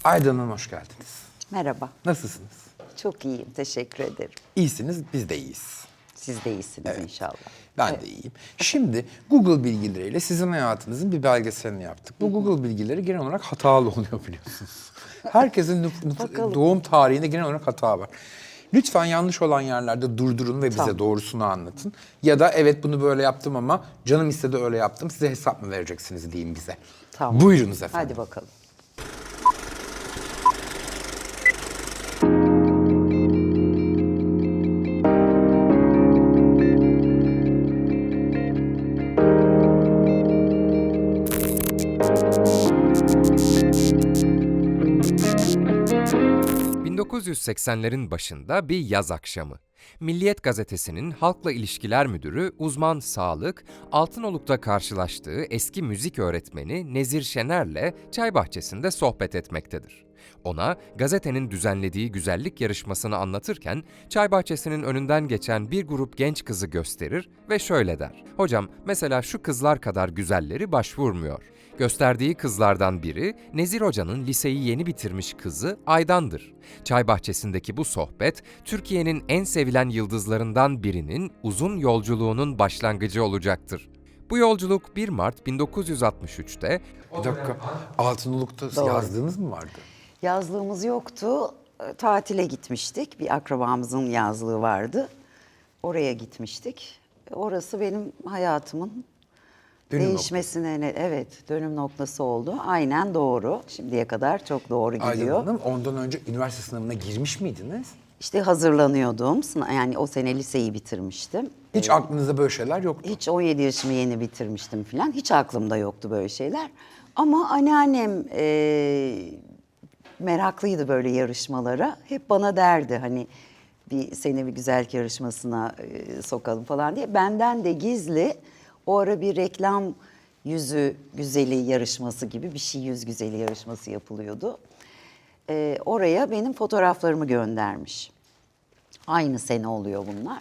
Aydan Hanım hoş geldiniz. Merhaba. Nasılsınız? Çok iyiyim. Teşekkür ederim. İyisiniz, biz de iyiyiz. Siz de iyisiniz inşallah. Ben de iyiyim. Şimdi Google bilgileriyle sizin hayatınızın bir belgeselini yaptık. Bu Google bilgileri genel olarak hatalı oluyor biliyorsunuz. Herkesin doğum tarihinde genel olarak hata var. Lütfen yanlış olan yerlerde durdurun ve bize Tamam. doğrusunu anlatın. Ya da evet bunu böyle yaptım ama canım istedi öyle yaptım. Size hesap mı vereceksiniz diyeyim bize. Tamam. Buyurunuz efendim. Hadi bakalım. ...1980'lerin başında bir yaz akşamı. Milliyet Gazetesi'nin Halkla İlişkiler Müdürü uzman sağlık, Altınoluk'ta karşılaştığı eski müzik öğretmeni Nezir Şener'le çay bahçesinde sohbet etmektedir. Ona gazetenin düzenlediği güzellik yarışmasını anlatırken çay bahçesinin önünden geçen bir grup genç kızı gösterir ve şöyle der: "Hocam, mesela şu kızlar kadar güzelleri başvurmuyor." Gösterdiği kızlardan biri, Nezir Hoca'nın liseyi yeni bitirmiş kızı Aydan'dır. Çay bahçesindeki bu sohbet, Türkiye'nin en sevilen yıldızlarından birinin uzun yolculuğunun başlangıcı olacaktır. Bu yolculuk 1 Mart 1963'te... Bir dakika, Altınoluk'ta Doğru. yazdığınız mı vardı? Yazlığımız yoktu. Tatile gitmiştik. Bir akrabamızın yazlığı vardı. Oraya gitmiştik. Orası benim hayatımın Dönüm değişmesine dönüm noktası oldu. Aynen doğru. Şimdiye kadar çok doğru Aydan gidiyor. Hanım, ondan önce üniversite sınavına girmiş miydiniz? İşte hazırlanıyordum. Yani o sene liseyi bitirmiştim. Hiç aklınızda böyle şeyler yoktu. Hiç 17 yaşımı yeni bitirmiştim falan. Hiç aklımda yoktu böyle şeyler. Ama anneannem meraklıydı böyle yarışmalara. Hep bana derdi hani seni bir güzellik yarışmasına sokalım falan diye. Benden de gizli o ara bir reklam yüzü güzeli yarışması gibi bir şey, yüz güzeli yarışması yapılıyordu. Oraya benim fotoğraflarımı göndermiş. Aynı sene oluyor bunlar.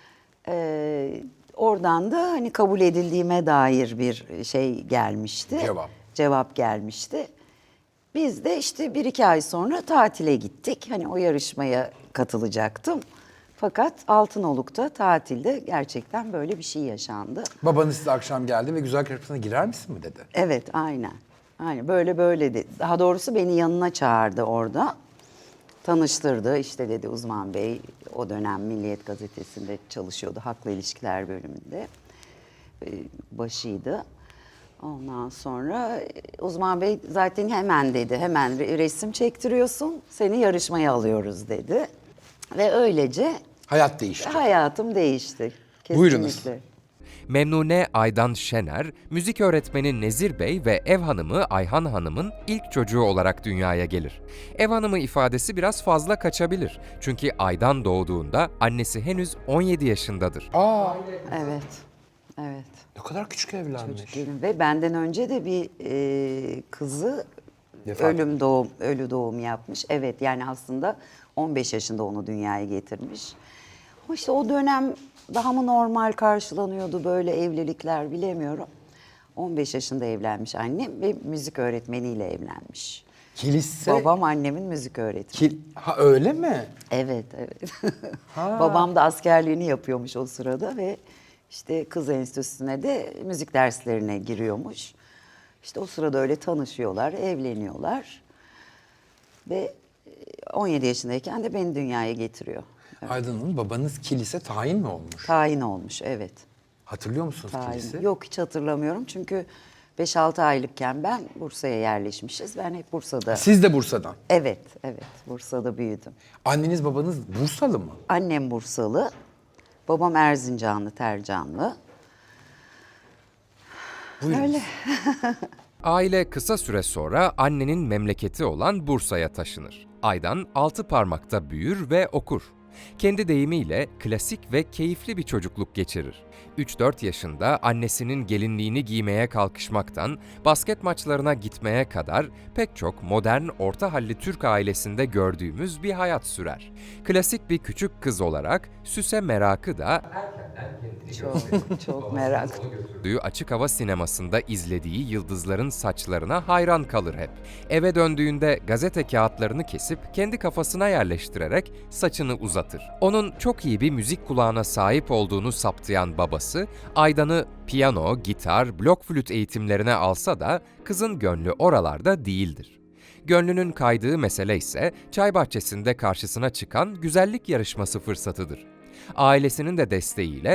Oradan da hani kabul edildiğime dair bir şey gelmişti. Cevap gelmişti. Biz de işte 1-2 ay sonra tatile gittik. Hani o yarışmaya katılacaktım. Fakat Altınoluk'ta tatilde gerçekten böyle bir şey yaşandı. Babanız size akşam geldi ve güzellik yarışmasına girer misin mi dedi? Evet, aynen. Aynen böyle dedi. Daha doğrusu beni yanına çağırdı orada. Tanıştırdı. İşte dedi Uzman Bey o dönem Milliyet Gazetesi'nde çalışıyordu. Halkla İlişkiler bölümünde. Başıydı. Ondan sonra Uzman Bey zaten hemen dedi. Hemen resim çektiriyorsun. Seni yarışmaya alıyoruz dedi. Ve öylece Hayat değişti. hayatım değişti. Kesinlikle. Buyurunuz. Memnune Aydan Şener, müzik öğretmeni Nezir Bey ve ev hanımı Ayhan Hanım'ın ilk çocuğu olarak dünyaya gelir. Ev hanımı ifadesi biraz fazla kaçabilir. Çünkü Aydan doğduğunda annesi henüz 17 yaşındadır. Aa, Evet. Evet. ne kadar küçük evlenmiş. Ve benden önce de bir kızı Vefat ölü doğum yapmış. Evet, yani aslında 15 yaşında onu dünyaya getirmiş. Ama işte o dönem daha mı normal karşılanıyordu böyle evlilikler bilemiyorum. 15 yaşında evlenmiş annem ve müzik öğretmeniyle evlenmiş. Kilise... Babam annemin müzik öğretmeni. Ha öyle mi? Evet. Babam da askerliğini yapıyormuş o sırada ve işte kız enstitüsüne de müzik derslerine giriyormuş. İşte o sırada öyle tanışıyorlar, evleniyorlar. Ve 17 yaşındayken de beni dünyaya getiriyor. Aydan Hanım, babanız kilise tayin mi olmuş? Tayin olmuş, evet. Hatırlıyor musunuz Tayin. kilise? Yok, hiç hatırlamıyorum çünkü 5-6 aylıkken ben Bursa'ya yerleşmişiz. Ben hep Bursa'da... Siz de Bursa'dan. Evet, Bursa'da büyüdüm. Anneniz babanız Bursalı mı? Annem Bursalı, babam Erzincanlı, Tercanlı. Buyurunuz. Öyle. Aile kısa süre sonra annenin memleketi olan Bursa'ya taşınır. Aydan 6 parmakta büyür ve okur. Kendi deyimiyle klasik ve keyifli bir çocukluk geçirir. 3-4 yaşında annesinin gelinliğini giymeye kalkışmaktan basket maçlarına gitmeye kadar pek çok modern orta halli Türk ailesinde gördüğümüz bir hayat sürer. Klasik bir küçük kız olarak süse merakı da Çok merak. Gördüğü açık hava sinemasında izlediği yıldızların saçlarına hayran kalır hep. Eve döndüğünde gazete kağıtlarını kesip kendi kafasına yerleştirerek saçını uzatır. Onun çok iyi bir müzik kulağına sahip olduğunu saptayan babası, Aydan'ı piyano, gitar, blok flüt eğitimlerine alsa da kızın gönlü oralarda değildir. Gönlünün kaydığı mesele ise çay bahçesinde karşısına çıkan güzellik yarışması fırsatıdır. Ailesinin de desteğiyle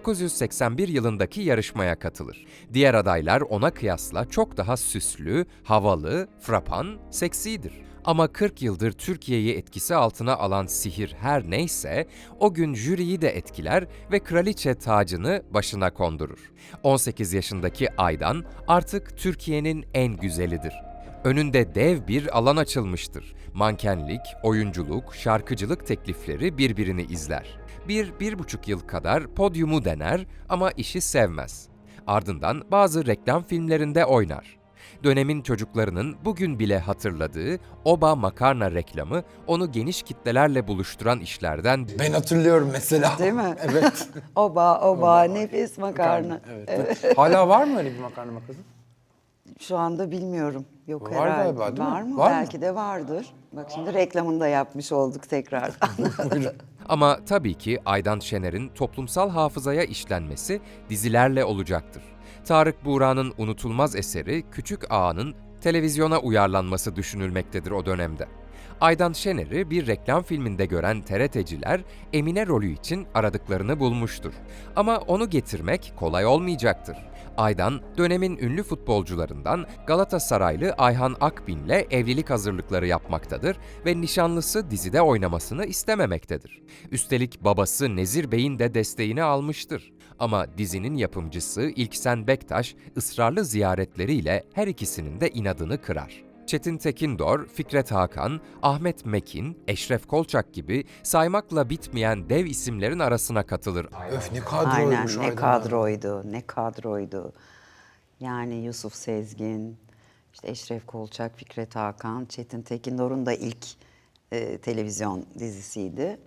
1981 yılındaki yarışmaya katılır. Diğer adaylar ona kıyasla çok daha süslü, havalı, frapan, seksidir. Ama 40 yıldır Türkiye'yi etkisi altına alan sihir her neyse, o gün jüriyi de etkiler ve kraliçe tacını başına kondurur. 18 yaşındaki Aydan artık Türkiye'nin en güzelidir. Önünde dev bir alan açılmıştır. Mankenlik, oyunculuk, şarkıcılık teklifleri birbirini izler. 1-1,5 yıl kadar podyumu dener ama işi sevmez. Ardından bazı reklam filmlerinde oynar. Dönemin çocuklarının bugün bile hatırladığı Oba makarna reklamı onu geniş kitlelerle buluşturan işlerden Ben hatırlıyorum mesela. Değil mi? Evet. Oba, nefis makarna. Evet. Hala var mı öyle bir makarna makası? Şu anda bilmiyorum. Yok Var herhalde. galiba, değil mi? Var mı? Var mı? Belki de vardır. Bak şimdi reklamını da yapmış olduk tekrardan. Ama tabii ki Aydan Şener'in toplumsal hafızaya işlenmesi dizilerle olacaktır. Tarık Buğra'nın unutulmaz eseri Küçük Ağa'nın televizyona uyarlanması düşünülmektedir o dönemde. Aydan Şener'i bir reklam filminde gören TRT'ciler Emine rolü için aradıklarını bulmuştur. Ama onu getirmek kolay olmayacaktır. Aydan, dönemin ünlü futbolcularından Galatasaraylı Ayhan Akbin'le evlilik hazırlıkları yapmaktadır ve nişanlısı dizide oynamasını istememektedir. Üstelik babası Nezir Bey'in de desteğini almıştır. Ama dizinin yapımcısı İlksen Bektaş ısrarlı ziyaretleriyle her ikisinin de inadını kırar. Çetin Tekindor, Fikret Hakan, Ahmet Mekin, Eşref Kolçak gibi saymakla bitmeyen dev isimlerin arasına katılır. Öf ne Aynen kadroymuş ne Aydan. kadroydu, ne kadroydu. Yani Yusuf Sezgin, işte Eşref Kolçak, Fikret Hakan, Çetin Tekindor'un da ilk televizyon dizisiydi.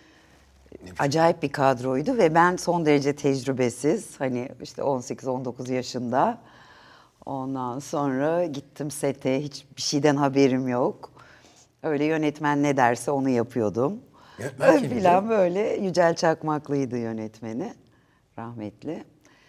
Acayip bir kadroydu ve ben son derece tecrübesiz, hani işte 18-19 yaşında. Ondan sonra gittim sete, hiçbir şeyden haberim yok. Öyle yönetmen ne derse onu yapıyordum. Yönetmen kimdi? Filan böyle Yücel Çakmaklı'ydı yönetmeni, rahmetli.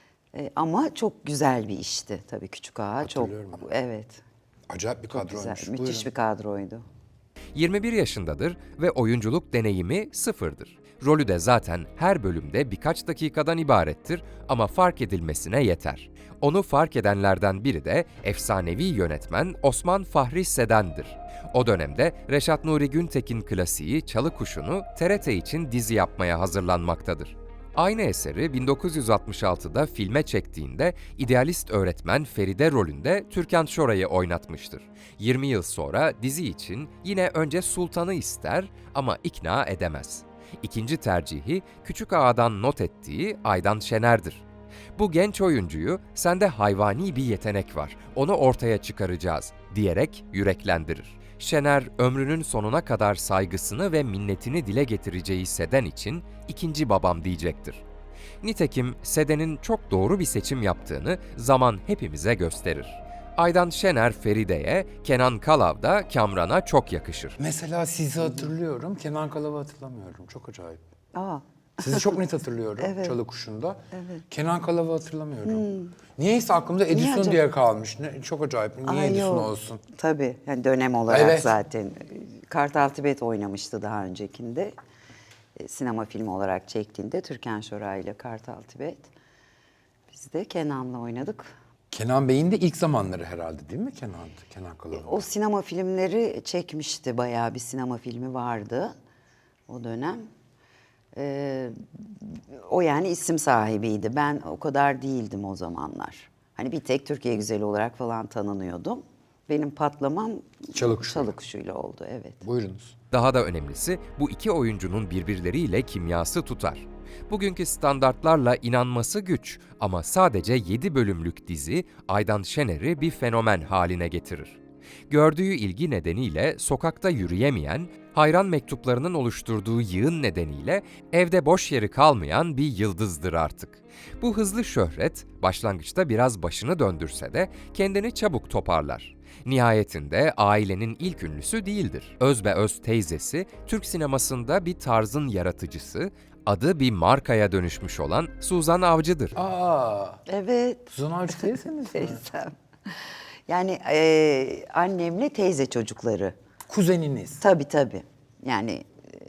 Ama çok güzel bir işti tabii Küçük Ağa. Çok, Hatırlıyorum ben. evet, Acayip bir çok güzel, kadroymuş. müthiş Buyurun. bir kadroydu. 21 yaşındadır ve oyunculuk deneyimi sıfırdır. Rolü de zaten her bölümde birkaç dakikadan ibarettir ama fark edilmesine yeter. Onu fark edenlerden biri de efsanevi yönetmen Osman Fahri Seden'dir. O dönemde Reşat Nuri Güntekin klasiği Çalı Kuşu'nu TRT için dizi yapmaya hazırlanmaktadır. Aynı eseri 1966'da filme çektiğinde idealist öğretmen Feride rolünde Türkan Şoray'ı oynatmıştır. 20 yıl sonra dizi için yine önce Sultan'ı ister ama ikna edemez. İkinci tercihi Küçük Ağa'dan not ettiği Aydan Şener'dir. Bu genç oyuncuyu "Sende hayvani bir yetenek var, onu ortaya çıkaracağız" diyerek yüreklendirir. Şener ömrünün sonuna kadar saygısını ve minnetini dile getireceği Seden için ikinci babam diyecektir. Nitekim Seden'in çok doğru bir seçim yaptığını zaman hepimize gösterir. Aydan Şener Feride'ye, Kenan Kalav da Kamran'a çok yakışır. Mesela sizi hatırlıyorum. Kenan Kalav'ı hatırlamıyorum. Çok acayip. Aa, Sizi çok net hatırlıyorum Evet. Çalı Kuşu'nda. Evet. Kenan Kalav'ı hatırlamıyorum. Niyeyse aklımda Edison acaba? diye kalmış. Çok acayip. Niye ay Edison yok. olsun? Tabii, yani dönem olarak Evet. zaten. Kartal Tibet oynamıştı daha öncekinde. Sinema filmi olarak çektiğinde Türkan Şoray ile Kartal Tibet. Biz de Kenan'la oynadık. Kenan Bey'in de ilk zamanları herhalde değil mi Kenan Kalav'ın? O sinema filmleri çekmişti, bayağı bir sinema filmi vardı o dönem. O yani isim sahibiydi. Ben o kadar değildim o zamanlar. Hani bir tek Türkiye güzeli olarak falan tanınıyordum. Benim patlamam Çalı Kuşu'yla. Çalı Kuşu'yla oldu, evet. Buyurunuz. Daha da önemlisi bu iki oyuncunun birbirleriyle kimyası tutar. Bugünkü standartlarla inanması güç ama sadece 7 bölümlük dizi Aydan Şener'i bir fenomen haline getirir. Gördüğü ilgi nedeniyle sokakta yürüyemeyen, Hayran mektuplarının oluşturduğu yığın nedeniyle evde boş yeri kalmayan bir yıldızdır artık. Bu hızlı şöhret başlangıçta biraz başını döndürse de kendini çabuk toparlar. Nihayetinde ailenin ilk ünlüsü değildir. Özbeöz teyzesi, Türk sinemasında bir tarzın yaratıcısı, adı bir markaya dönüşmüş olan Suzan Avcı'dır. Aa, Evet. Suzan Avcı teyzeniz mi? Teyzem. Yani annemle teyze çocukları. Kuzeniniz. Tabii tabii. Yani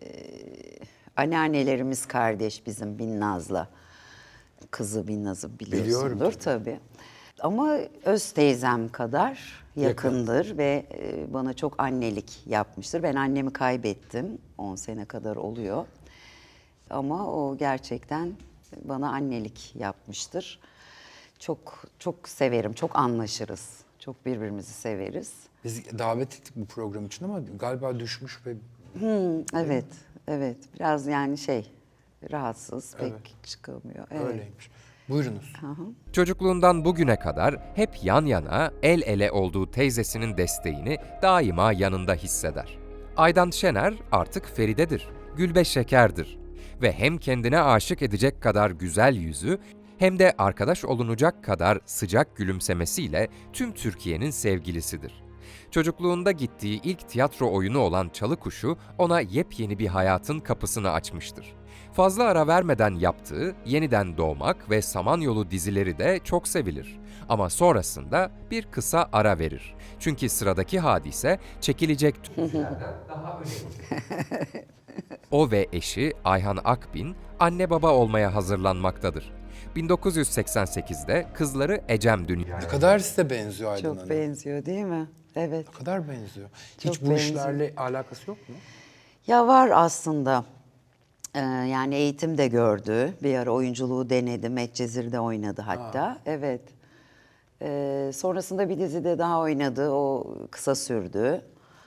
anneannelerimiz kardeş bizim Binnaz'la. Kızı Binnaz'ı biliyorsundur Biliyorum tabii. Ama öz teyzem kadar yakındır ve bana çok annelik yapmıştır. Ben annemi kaybettim. 10 sene kadar oluyor. Ama o gerçekten bana annelik yapmıştır. Çok çok severim, çok anlaşırız. Çok birbirimizi severiz. Biz davet ettik bu program için ama galiba düşmüş ve Evet, evet. Biraz yani rahatsız, pek Evet. çıkamıyor. Evet. öyleymiş. Buyurunuz. Çocukluğundan bugüne kadar hep yan yana, el ele olduğu teyzesinin desteğini daima yanında hisseder. Aydan Şener artık Feride'dir, Gülbe Şeker'dir ve hem kendine aşık edecek kadar güzel yüzü hem de arkadaş olunacak kadar sıcak gülümsemesiyle tüm Türkiye'nin sevgilisidir. Çocukluğunda gittiği ilk tiyatro oyunu olan Çalı Kuşu ona yepyeni bir hayatın kapısını açmıştır. Fazla ara vermeden yaptığı Yeniden Doğmak ve Samanyolu dizileri de çok sevilir. Ama sonrasında bir kısa ara verir. Çünkü sıradaki hadise çekilecek dizilerden daha önemli. O ve eşi Ayhan Akbin anne baba olmaya hazırlanmaktadır. 1988'de kızları Ecem dünyaya Ne kadar size benziyor Aydın Çok Hanım. benziyor değil mi? Evet. Ne kadar benziyor. Çok Hiç bu benziyor. işlerle alakası yok mu? Ya var aslında. Yani eğitim de gördü. Bir ara oyunculuğu denedi. Medcezir'de oynadı hatta. Evet. Sonrasında bir dizide daha oynadı. O kısa sürdü.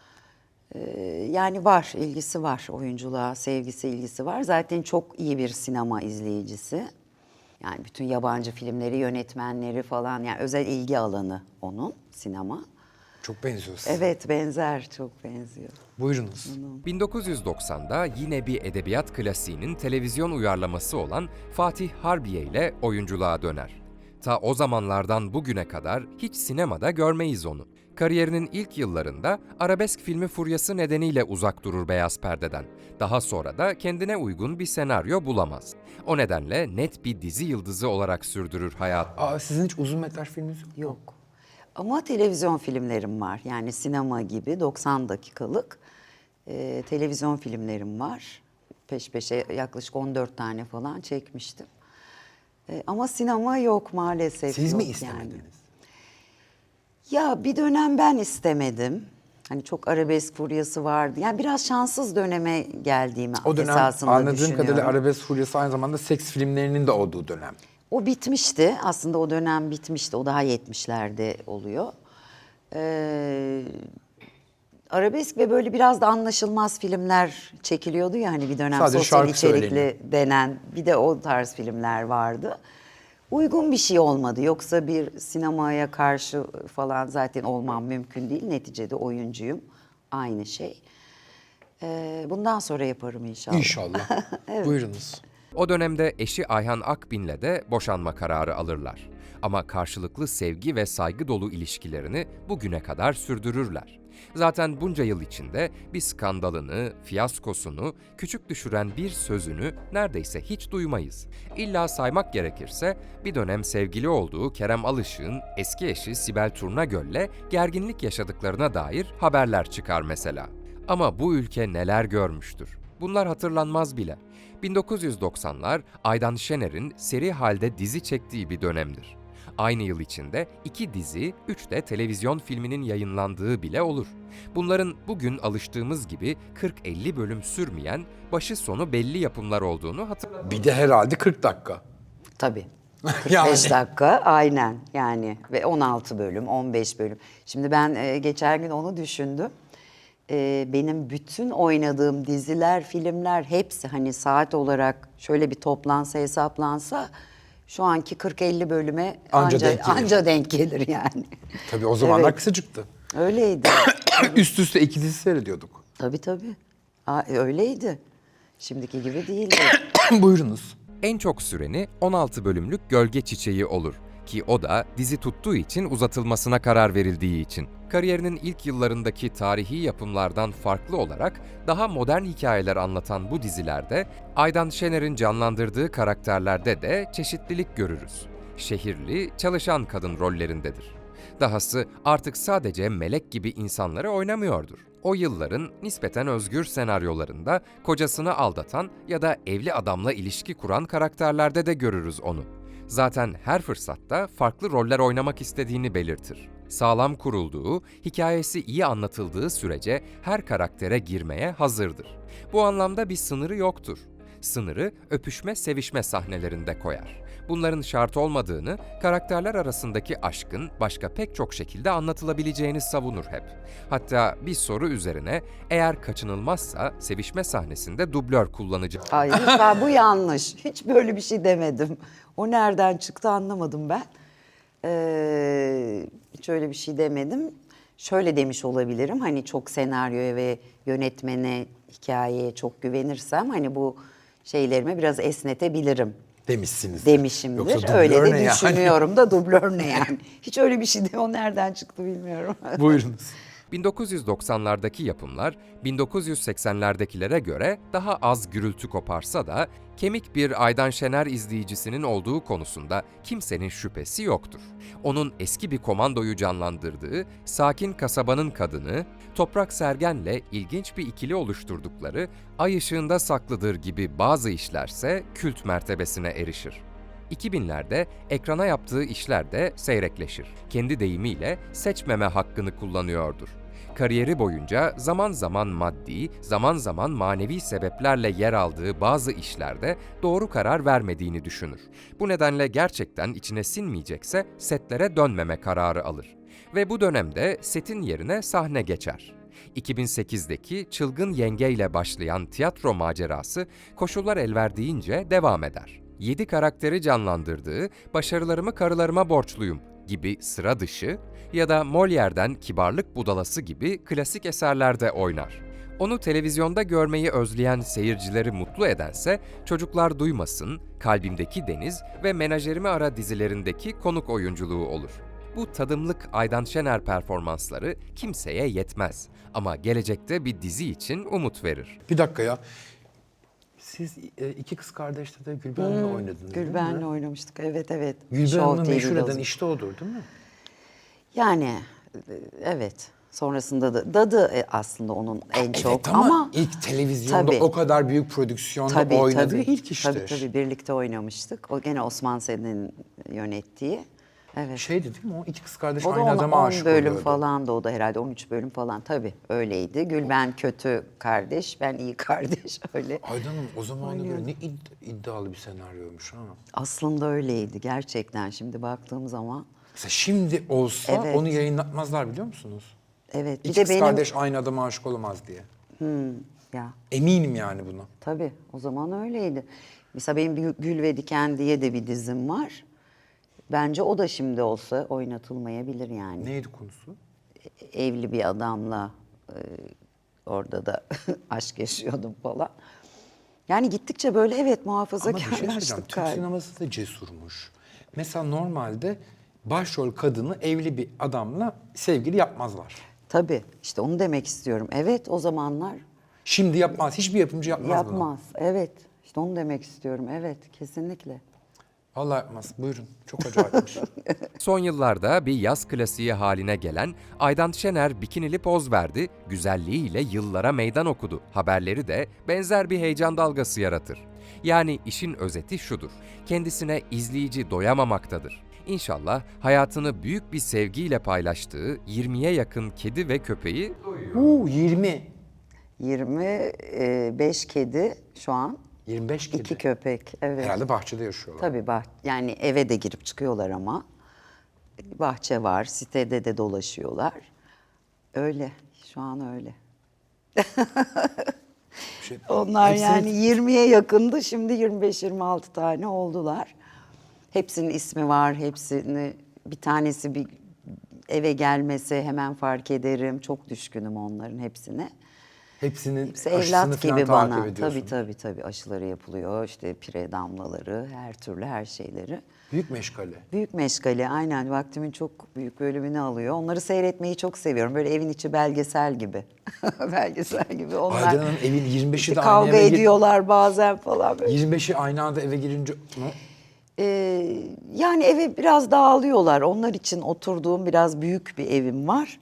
Yani var, ilgisi var. Oyunculuğa, sevgisi, ilgisi var. Zaten çok iyi bir sinema izleyicisi. Yani bütün yabancı filmleri, yönetmenleri falan. Yani özel ilgi alanı onun sinema. Çok benziyor size. Evet, benzer. Çok benziyor. Buyurunuz. 1990'da yine bir edebiyat klasiğinin televizyon uyarlaması olan Fatih Harbiye ile oyunculuğa döner. Ta o zamanlardan bugüne kadar hiç sinemada görmeyiz onu. Kariyerinin ilk yıllarında arabesk filmi furyası nedeniyle uzak durur beyaz perdeden. Daha sonra da kendine uygun bir senaryo bulamaz. O nedenle net bir dizi yıldızı olarak sürdürür hayatını. Aa, sizin hiç uzun metraj filminiz yok mu? Yok. Ama televizyon filmlerim var. Yani sinema gibi 90 dakikalık televizyon filmlerim var. Peş peşe yaklaşık 14 tane falan çekmiştim. Ama sinema yok maalesef. Siz mi yok istemediniz? yani. Ya bir dönem ben istemedim. Hani çok arabesk furyası vardı. Yani biraz şanssız döneme geldiğimi O dönem esasında anladığım düşünüyorum. kadarıyla arabesk furyası aynı zamanda seks filmlerinin de olduğu dönem. O bitmişti. Aslında o dönem bitmişti. O daha 70'lerde oluyor. Arabesk ve böyle biraz da anlaşılmaz filmler çekiliyordu ya hani bir dönem Sadece sosyal şarkı içerikli söyleniyor. denen bir de o tarz filmler vardı. Uygun bir şey olmadı. Yoksa bir sinemaya karşı falan zaten olmam mümkün değil. Neticede oyuncuyum. Aynı şey. Bundan sonra yaparım inşallah. İnşallah. Buyurunuz. O dönemde eşi Ayhan Akbin'le de boşanma kararı alırlar. Ama karşılıklı sevgi ve saygı dolu ilişkilerini bugüne kadar sürdürürler. Zaten bunca yıl içinde bir skandalını, fiyaskosunu, küçük düşüren bir sözünü neredeyse hiç duymayız. İlla saymak gerekirse bir dönem sevgili olduğu Kerem Alışık'ın eski eşi Sibel Turnagöl'le gerginlik yaşadıklarına dair haberler çıkar mesela. Ama bu ülke neler görmüştür? Bunlar hatırlanmaz bile. 1990'lar Aydan Şener'in seri halde dizi çektiği bir dönemdir. Aynı yıl içinde 2 dizi, 3 de televizyon filminin yayınlandığı bile olur. Bunların bugün alıştığımız gibi 40-50 bölüm sürmeyen, başı sonu belli yapımlar olduğunu hatırlatın. Bir de herhalde 40 dakika. Tabii. 45 Yani. dakika aynen yani ve 16 bölüm, 15 bölüm. Şimdi ben geçen gün onu düşündüm. Benim bütün oynadığım diziler, filmler hepsi hani saat olarak şöyle bir toplansa, hesaplansa şu anki 40-50 bölüme anca denk gelir yani. Tabii o zamanlar Evet. kısacıktı. Öyleydi. Üst üste 2 dizi seyrediyorduk. Tabii tabii. Öyleydi. Şimdiki gibi değildi. Buyurunuz. En çok süreni 16 bölümlük Gölge Çiçeği olur ki o da dizi tuttuğu için uzatılmasına karar verildiği için. Kariyerinin ilk yıllarındaki tarihi yapımlardan farklı olarak daha modern hikayeler anlatan bu dizilerde Aydan Şener'in canlandırdığı karakterlerde de çeşitlilik görürüz. Şehirli, çalışan kadın rollerindedir. Dahası artık sadece melek gibi insanları oynamıyordur. O yılların nispeten özgür senaryolarında kocasını aldatan ya da evli adamla ilişki kuran karakterlerde de görürüz onu. Zaten her fırsatta farklı roller oynamak istediğini belirtir. Sağlam kurulduğu, hikayesi iyi anlatıldığı sürece her karaktere girmeye hazırdır. Bu anlamda bir sınırı yoktur. Sınırı öpüşme, sevişme sahnelerinde koyar. Bunların şart olmadığını, karakterler arasındaki aşkın başka pek çok şekilde anlatılabileceğini savunur hep. Hatta bir soru üzerine eğer kaçınılmazsa sevişme sahnesinde dublör kullanacak. Ay lütfen, bu yanlış. Hiç böyle bir şey demedim. O nereden çıktı anlamadım ben. Hiç öyle bir şey demedim. Şöyle demiş olabilirim. Hani çok senaryoya ve yönetmene, hikayeye çok güvenirsem hani bu şeylerimi biraz esnetebilirim Demişsiniz. demişimdir. Yoksa Öyle dublör de ne yani? düşünüyorum da dublör ne yani? Hiç öyle bir şey de o nereden çıktı bilmiyorum. Buyurunuz. 1990'lardaki yapımlar 1980'lerdekilere göre daha az gürültü koparsa da kemik bir Aydan Şener izleyicisinin olduğu konusunda kimsenin şüphesi yoktur. Onun eski bir komandoyu canlandırdığı Sakin Kasabanın Kadını, Toprak Sergen'le ilginç bir ikili oluşturdukları Ay Işığında Saklıdır gibi bazı işlerse kült mertebesine erişir. 2000'lerde ekrana yaptığı işler de seyrekleşir. Kendi deyimiyle seçmeme hakkını kullanıyordur. Kariyeri boyunca zaman zaman maddi, zaman zaman manevi sebeplerle yer aldığı bazı işlerde doğru karar vermediğini düşünür. Bu nedenle gerçekten içine sinmeyecekse setlere dönmeme kararı alır. Ve bu dönemde setin yerine sahne geçer. 2008'deki Çılgın Yenge ile başlayan tiyatro macerası koşullar el verdiğince devam eder. 7 karakteri canlandırdığı Başarılarımı Karılarıma Borçluyum gibi sıra dışı ya da Molière'den Kibarlık Budalası gibi klasik eserlerde oynar. Onu televizyonda görmeyi özleyen seyircileri mutlu edense Çocuklar Duymasın, Kalbimdeki Deniz ve Menajerimi Ara dizilerindeki konuk oyunculuğu olur. Bu tadımlık Aydan Şener performansları kimseye yetmez ama gelecekte bir dizi için umut verir. Bir dakika ya. Siz iki kız kardeşte de Gülben'le oynadınız değil mi? Gülben'le oynamıştık. Evet evet. Gülben Show Hanım'ı meşhur TV'de eden işte odur değil mi? Yani evet. Sonrasında da Dadı aslında onun en çok Evet ama ilk televizyonda Tabii. o kadar büyük prodüksiyonda oynadığı ilk iştir. Tabii birlikte oynamıştık. O gene Osman Sen'in yönettiği. Evet. Şeydi değil mi o? İki kız kardeş O da aynı on adama 10 aşık bölüm oluyordu. falan da o da herhalde 13 bölüm falan tabii öyleydi. Gülben kötü kardeş, ben iyi kardeş öyle. Aydan Hanım o zamana göre ne iddialı bir senaryoymuş ha. Aslında öyleydi gerçekten şimdi baktığım zaman. Mesela şimdi olsa Evet. onu yayınlatmazlar biliyor musunuz? Evet. Bir İki de kız benim kardeş aynı adama aşık olamaz diye. ya Eminim yani buna. tabii o zaman öyleydi. Mesela benim bir Gül ve Diken diye de bir dizim var. Bence o da şimdi olsa oynatılmayabilir yani. Neydi konusu? Evli bir adamla orada da aşk yaşıyordum falan. Yani gittikçe böyle evet Ama bir şey söyleyeceğim. muhafazakarlaştık Türk galiba. sineması da cesurmuş. Mesela normalde başrol kadını evli bir adamla sevgili yapmazlar. Tabii işte onu demek istiyorum. Evet o zamanlar Şimdi yapmaz. Hiçbir yapımcı yapmaz, bunu. yapmaz. Evet işte onu demek istiyorum. Evet kesinlikle. Vallahi yapmaz. Buyurun. Çok acayipmiş. Son yıllarda bir yaz klasiği haline gelen Aydan Şener bikinili poz verdi, güzelliğiyle yıllara meydan okudu. Haberleri de benzer bir heyecan dalgası yaratır. Yani işin özeti şudur, kendisine izleyici doyamamaktadır. İnşallah hayatını büyük bir sevgiyle paylaştığı 20'ye yakın kedi ve köpeği 20. 25 kedi şu an. 25 kedi. 2 köpek. Evet. Herhalde bahçede yaşıyorlar. Tabii yani eve de girip çıkıyorlar ama. Bahçe var, sitede de dolaşıyorlar. Öyle, şu an öyle. Şey- Onlar Hepsini- yani 20'ye yakındı, şimdi 25-26 tane oldular. Hepsinin ismi var, hepsini bir tanesi bir eve gelmese hemen fark ederim. Çok düşkünüm onların hepsine. Hepsinin Hepsi aşısını evlat falan gibi takip bana. ediyorsun. Tabii aşıları yapılıyor. İşte pire damlaları, her türlü her şeyleri. Büyük meşgale. Büyük meşgale, aynen, vaktimin çok büyük bölümünü alıyor. Onları seyretmeyi çok seviyorum. Böyle evin içi belgesel gibi. Belgesel gibi. Onlar Aydan Hanım evin 25'i işte de aynı kavga eve ediyorlar bazen falan böyle. 25'i aynı anda eve girince Yani eve biraz dağılıyorlar. Onlar için oturduğum biraz büyük bir evim var.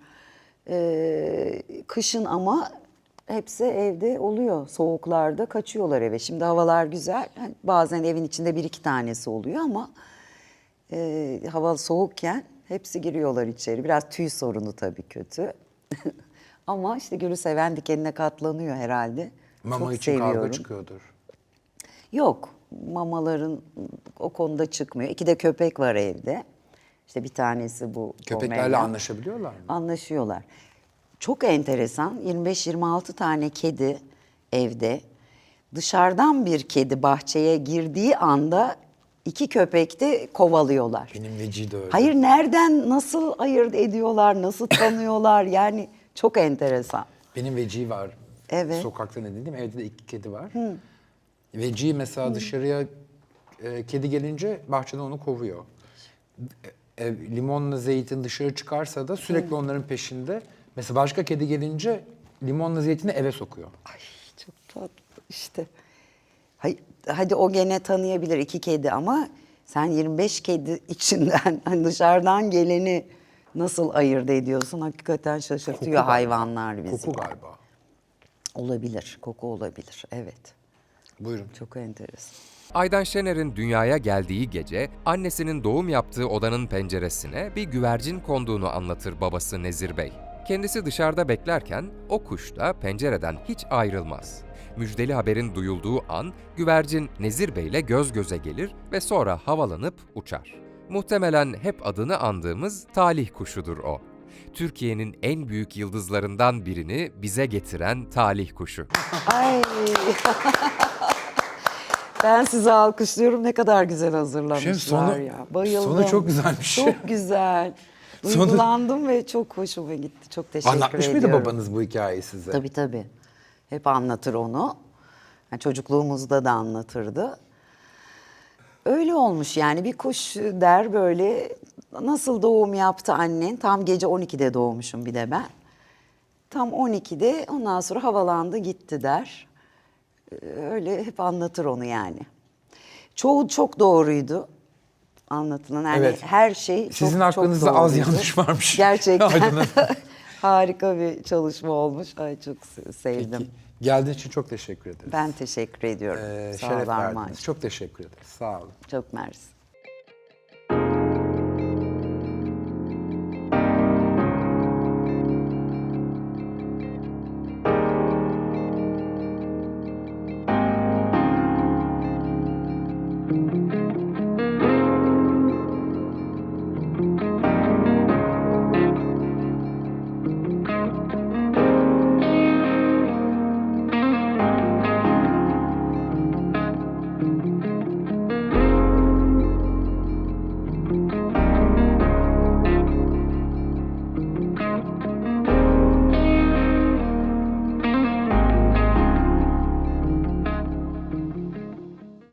Kışın ama hepsi evde oluyor. Soğuklarda kaçıyorlar eve. Şimdi havalar güzel. Hani bazen evin içinde bir iki tanesi oluyor ama hava soğukken hepsi giriyorlar içeri. Biraz tüy sorunu tabii kötü. Ama işte gülü seven dikenine katlanıyor herhalde. mama Çok için seviyorum. kavga çıkıyordur. Yok, mamaların o konuda çıkmıyor. İki de köpek var evde. İşte bir tanesi bu Köpeklerle Pomeranian. anlaşabiliyorlar mı? Anlaşıyorlar. Çok enteresan, 25-26 tane kedi evde. Dışarıdan bir kedi bahçeye girdiği anda iki köpek de kovalıyorlar. Benim Veci de öyle. Hayır, nereden, nasıl ayırt ediyorlar, nasıl tanıyorlar, yani çok enteresan. Benim Veci var. Evet. Sokakta ne dedim? Evde de 2 kedi var. Veci mesela dışarıya kedi gelince bahçeden onu kovuyor. Limonla zeytin dışarı çıkarsa da sürekli onların peşinde. Mesela başka kedi gelince limonla zeytini eve sokuyor. Ay, çok tatlı işte. Hadi o gene tanıyabilir iki kedi ama sen 25 kedi içinden hani dışarıdan geleni nasıl ayırt ediyorsun? Hakikaten şaşırtıyor Koku galiba. hayvanlar bizi. Koku galiba. Olabilir, koku olabilir. Evet, Buyurun. çok enteresan. Aydan Şener'in dünyaya geldiği gece annesinin doğum yaptığı odanın penceresine bir güvercin konduğunu anlatır babası Nezir Bey. Kendisi dışarıda beklerken o kuş da pencereden hiç ayrılmaz. Müjdeli haberin duyulduğu an güvercin Nezir Bey'le göz göze gelir ve sonra havalanıp uçar. Muhtemelen hep adını andığımız talih kuşudur o. Türkiye'nin en büyük yıldızlarından birini bize getiren talih kuşu. Ay. Ben sizi alkışlıyorum. Ne kadar güzel hazırlamışlar Sonu- ya. Bayıldım. sonu çok güzelmiş. Çok güzel. Sonu- Duygulandım ve çok hoşuma gitti. Çok teşekkür Anlatmış ediyorum. mıydı babanız bu hikayeyi size? Tabii. Hep anlatır onu. Yani çocukluğumuzda da anlatırdı. Öyle olmuş yani, bir kuş der böyle, nasıl doğum yaptı annen? Tam gece 12'de doğmuşum bir de ben. Tam 12'de ondan sonra havalandı gitti der. Öyle hep anlatır onu yani. Çoğu çok doğruydu anlatılan. Yani Evet. her şey çok Sizin çok hakkınızda az doğruydu. yanlış varmış. Gerçekten Aydın Hanım. harika bir çalışma olmuş. Ay, çok sevdim. Geldiğiniz için çok teşekkür ederiz. Ben teşekkür ediyorum. Sağ ol Şeref Armağan. verdiniz. Çok teşekkür ederiz. Sağ olun. Çok mersi.